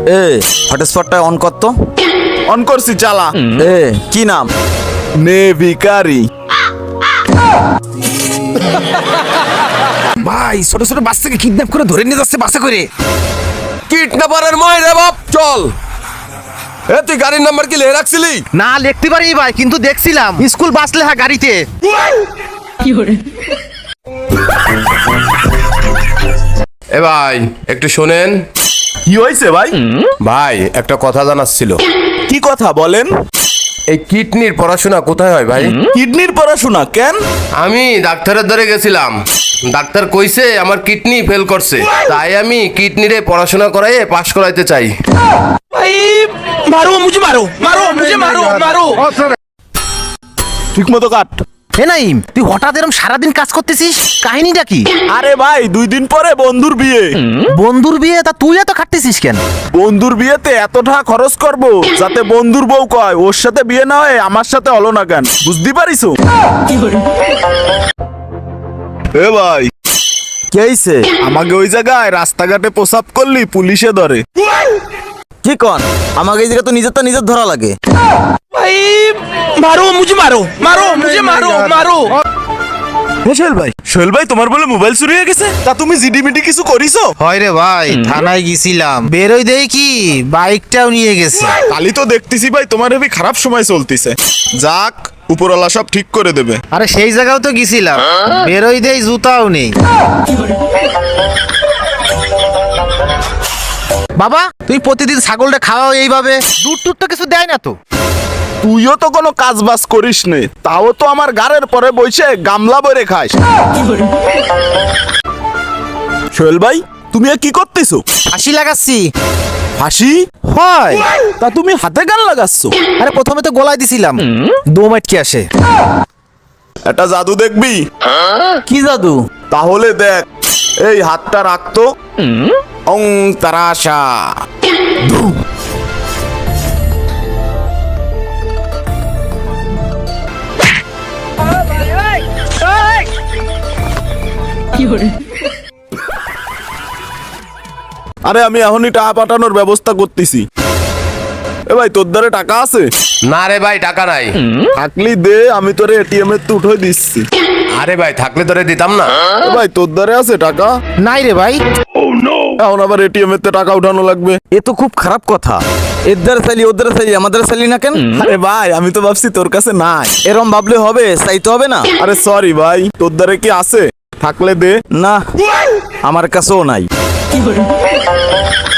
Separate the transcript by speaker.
Speaker 1: এ হটস্পটটা on কর তো।
Speaker 2: On করছি, চালা।
Speaker 1: এ কি নাম?
Speaker 2: নে ভিখারি।
Speaker 3: ভাই ছোট ছোট বাচ্চাকে কিডন্যাপ করে ধরে নিয়ে যাচ্ছে বাসে করে।
Speaker 4: কিডন্যাপারের মাই রে বাপ, চল। এ তুই গাড়ির নাম্বার কি লিখে রাখছিলি?
Speaker 3: না লিখতে পারি ভাই, কিন্তু দেখছিলাম স্কুল বাস লেখা গাড়িতে।
Speaker 4: এ ভাই একটু শোনেন।
Speaker 2: কি হয়েছে ভাই?
Speaker 4: ভাই একটা কথা জানার ছিল।
Speaker 2: কি কথা বলেন?
Speaker 4: এই কিডনির পড়াশোনা কোথায় হয় ভাই?
Speaker 2: কিডনির পড়াশোনা কেন?
Speaker 4: আমি ডাক্তারের দ্বারে গেছিলাম, ডাক্তার কইছে আমার কিডনি ফেল করছে, তাই আমি কিডনিরে পড়াশোনা করাইয়ে পাশ করাইতে চাই।
Speaker 2: ঠিক মতো কাট।
Speaker 3: হে নাইম, তুই হঠাৎ এরকম সারাদিন কাজ করতেছিস, কাহিনীটা কি?
Speaker 2: আরে ভাই 2 দিন পরে বন্ধুর বিয়ে।
Speaker 3: বন্ধুর বিয়ে, তা তুই এত খাটতেছিস কেন?
Speaker 2: বন্ধুর বিয়েতে এত টাকা খরচ করব যাতে বন্ধুর বউ কয় ওর সাথে বিয়ে না হয় আমার সাথে হলো না কেন, বুঝতে পারিস? এ ভাই
Speaker 1: কি হইছে?
Speaker 2: আমাকে ওই জায়গায় রাস্তাঘাটে প্রসাব করলি পুলিশে ধরে।
Speaker 1: কি কন? আমাকে এই জায়গা তো নিজের ধরা লাগে।
Speaker 2: সোহেল ভাই তোমার বলে মোবাইল চুরি হয়ে গেছে, তা তুমি জিডিমিডি কিছু করিছো?
Speaker 3: হয় রে ভাই, থানায় গেছিলাম, বেরোই দেই কি বাইকটাও নিয়ে গেছে।
Speaker 2: কালি তো দেখতেছি ভাই তোমার হেবি খারাপ সময় চলতিছে। যাক, উপরওয়ালা সব ঠিক করে দেবে।
Speaker 3: আরে সেই জায়গাও তো গেছিলাম, বেরোই দেই জুতাও নেই। বাবা তুই প্রতিদিন ছাগলটা খাওয়াও এইভাবে, দুধ টুধ তো কিছু দেয় না তো?
Speaker 2: তুইও তো কোনো কাজ বাজ করিস নে, তাও তো আমার গাড়ের পরে বসে গামলা বরে খাস। সোহেল ভাই তুমি কি করতেছো?
Speaker 3: ফাঁসি লাগাচ্ছি।
Speaker 2: হাসি
Speaker 3: হয়,
Speaker 2: তা তুমি হাতে গান লাগাচ্ছ?
Speaker 3: আরে প্রথমে তো গলায় দিছিলাম, দম আটকে আসে।
Speaker 2: একটা জাদু দেখবি?
Speaker 1: কি জাদু?
Speaker 2: তাহলে দেখ, এই হাতটা রাখতো, অং তারাশা। আরে আমি এখনই টাকা পাঠানোর ব্যবস্থা করতেছি। এ ভাই তোর দ্বারে টাকা আছে?
Speaker 4: না রে ভাই, টাকা নাই।
Speaker 2: থাকলি দে, আমি তোরে এটিএম এর তো উঠে দিচ্ছি।
Speaker 4: আরে ভাই থাকলে তোরে দিতাম না।
Speaker 2: এ ভাই তোর দ্বারে আছে টাকা?
Speaker 3: নাই রে ভাই।
Speaker 2: এখন আবার এটিএম এর টাকা উঠানো লাগবে।
Speaker 1: এ তো খুব খারাপ কথা। এদের চাইলি ওদের চাইলি আমাদের চাইলি না কেন?
Speaker 2: আরে ভাই আমি তো ভাবছি তোর কাছে নাই।
Speaker 1: এরম ভাবলে হবে? চাইতে হবে না?
Speaker 2: আরে সরি ভাই, তোর দ্বারে কি আছে? থাকলে দে।
Speaker 1: না, আমার কাছেও নাই।